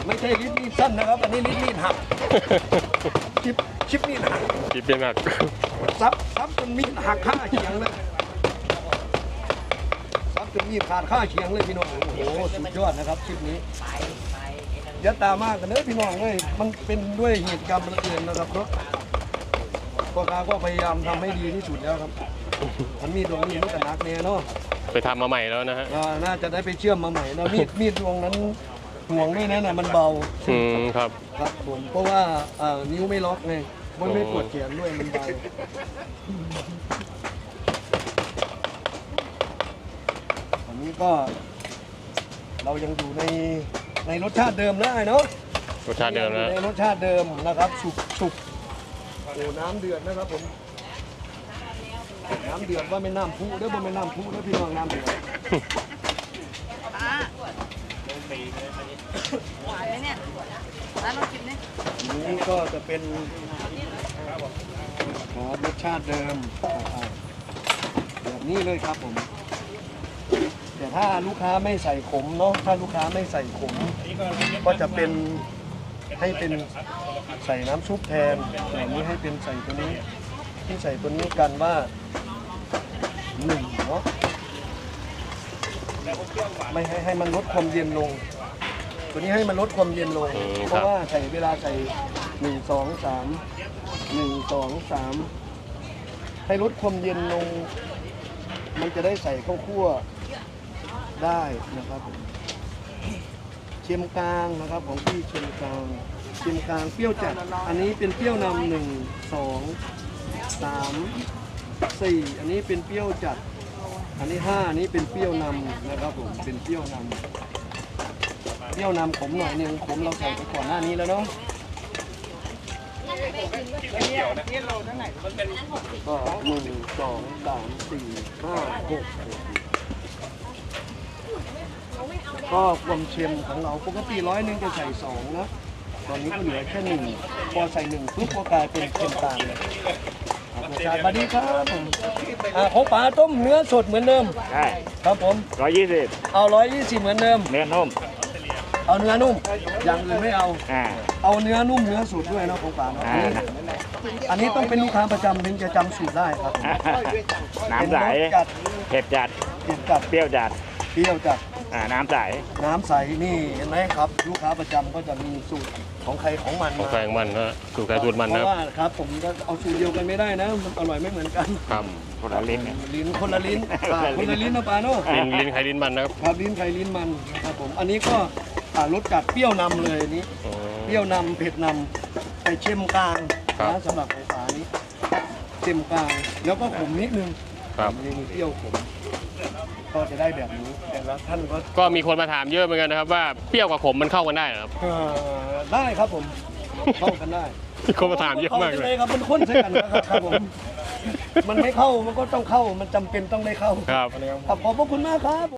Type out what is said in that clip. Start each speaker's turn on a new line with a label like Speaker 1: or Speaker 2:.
Speaker 1: ไม่ใช่ลิ้นมีดสั้นนะครับอันนี้ลิ้นมีดหักชิปมีดหัก
Speaker 2: ชิปเป็นหัก
Speaker 1: ซับจนมีดหักข้าเฉียงเลยซับจนมีดขาดข้าเฉียงเลยพี่น้องโอ้โหสุดยอดนะครับคลิปนี้ยัดตามากกันเนอะพี่น้องเลยมันเป็นด้วยเหตุการณ์บังเอิญนะครับเนาะพ่อค้าก็พยายามทำให้ดีที่สุดแล้วครับมันมีดวงนี้มันก็หนักแน่เนาะ
Speaker 2: ไปทำมาใหม่แล้วนะฮะ
Speaker 1: น่าจะได้ไปเชื่อมมาใหม่นะมีดดวงนั้นห่วงด้วยนะมันเบา
Speaker 2: ครับ
Speaker 1: ครับผมเพราะว่านิ้วไม่ล็อกไงมันไม่ปวดแขนด้วยมันเบาอันนี้ก็เรายังอยู่ในรสชาติเดิมแล้วเนาะ
Speaker 2: รสชาติเดิมนะ
Speaker 1: ในรสชาติเดิมนะครับสุกโอ้น้ำเดือดนะครับผมน้ำเดือดว่าไม่น้ำพุเด้อบ่ไม่น้ำพุเด้อพี่น้องน้ำเดือด
Speaker 3: หวานไหมเนี่ยร้านเรากินเนี่ย
Speaker 1: นี้ก็จะเป็นรสชาติเดิมแบบนี้เลยครับผมแต่ถ้าลูกค้าไม่ใส่ขมเนาะถ้าลูกค้าไม่ใส่ขมก็จะเป็นให้เป็นใส่น้ำซุปแทนแต่นี้ให้เป็นใส่ตัวนี้ที่ใส่ตัวนี้กันว่า1เนาะไม่ให้มันลดความเย็นลง ตัวนี้ให้มันลดความเย็นลงเพราะว่าใส่เวลาใส่1 2 3 1 2 3ให้ลดความเย็นลงมันจะได้ใส่ข้าวคั่วได้นะครับเค็มกลางนะครับของพี่เค็มกลางเปรี้ยวจัดอันนี้เป็นเปรี้ยวนำ1 2 3 4อันนี้เป็นเปรี้ยวจัดอันนี้5อันนี้เป็นเปรี้ยวนำนะครับผมเป็นเปรี้ยวนำขมหน่อยนึงขมเราใส่ไปก่อนหน้านี้แล้วเนาะก็1 2 3 4 5 6ก็ความเค็มของเราปกติ100จะใส่2นะตอนนี้ก็เหลือแค่1พอใส่1ปุ๊บก็กลายเป็นเค็มกลางเลยสวัสดีครับผมของป๋าต้มเนื้อสดเหมือนเดิม
Speaker 4: ใช่
Speaker 1: ครับผม
Speaker 4: 120
Speaker 1: เอา120เหมือนเดิม
Speaker 4: เนื้อนุ่ม
Speaker 1: เอาเนื้อนุ่มอย่างอื่นไม่เอา
Speaker 4: อ่า
Speaker 1: เอาเนื้อนุ่มเนื้อสดด้วยนะของป๋าเนาะอันนี้ต้องเป็นลูกค้าประจำถึงจะจำสูตรได้ครับ
Speaker 4: น้ำใส
Speaker 1: เป็นรสจัด
Speaker 4: เผ็ดจัด
Speaker 1: เผ็ดจัด
Speaker 4: เปรี้ยวจัด
Speaker 1: เปรี้ยวจัด
Speaker 4: น้ำใส
Speaker 1: น้ำใสนี่เห็นไหมครับ ลูกค้าประจำก็จะมีสูตรของใครของมัน
Speaker 2: ของ
Speaker 1: มา
Speaker 2: แฝงมันนะสูตรใครสูตรมัน
Speaker 1: เพ
Speaker 2: นะ
Speaker 1: ราะว่าครับผมก็เอาสูตรเดียวกันไม่ได้นะมันอร่อยไม่เหมือนกัน
Speaker 2: ครับ
Speaker 4: คนละลิ้นเนี่ย
Speaker 1: ลิ้นคนละลิ้นคนละลิ้นนะป๋าเนาะ
Speaker 2: ลิ้นใครลิ้นมันนะครับ
Speaker 1: ครับลิ้นใครลิ้นมันครับผมอันนี้ก็รสจัดเปรี้ยวนำเลยอันนี้
Speaker 2: อ๋อ
Speaker 1: เปรี้ยวนำเผ็ดนำแต่เค็มกลาง
Speaker 2: ครับ
Speaker 1: นะสำหรับของป๋านี้เค็มกลางแล้วก็ขมนิดนึง
Speaker 2: ครับ
Speaker 1: นี่มีเปรี้ยวขมก็จะได้แบบนี้แต่ละท่านก็
Speaker 2: ก็มีคนมาถามเยอะเหมือนกันนะครับว่าเปรี้ยวกับขมมันเข้ากันได้เหรอครับ
Speaker 1: ได้ครับผมเข้ากันได้
Speaker 2: มีคนมาถามเยอะมากเลย
Speaker 1: ครับมันข้นใส่กันนะครับผมมันไม่เข้ามันก็ต้องเข้ามันจำเป็นต้องได้เข้า
Speaker 2: ครับ
Speaker 1: ขอบพระคุณมากครับ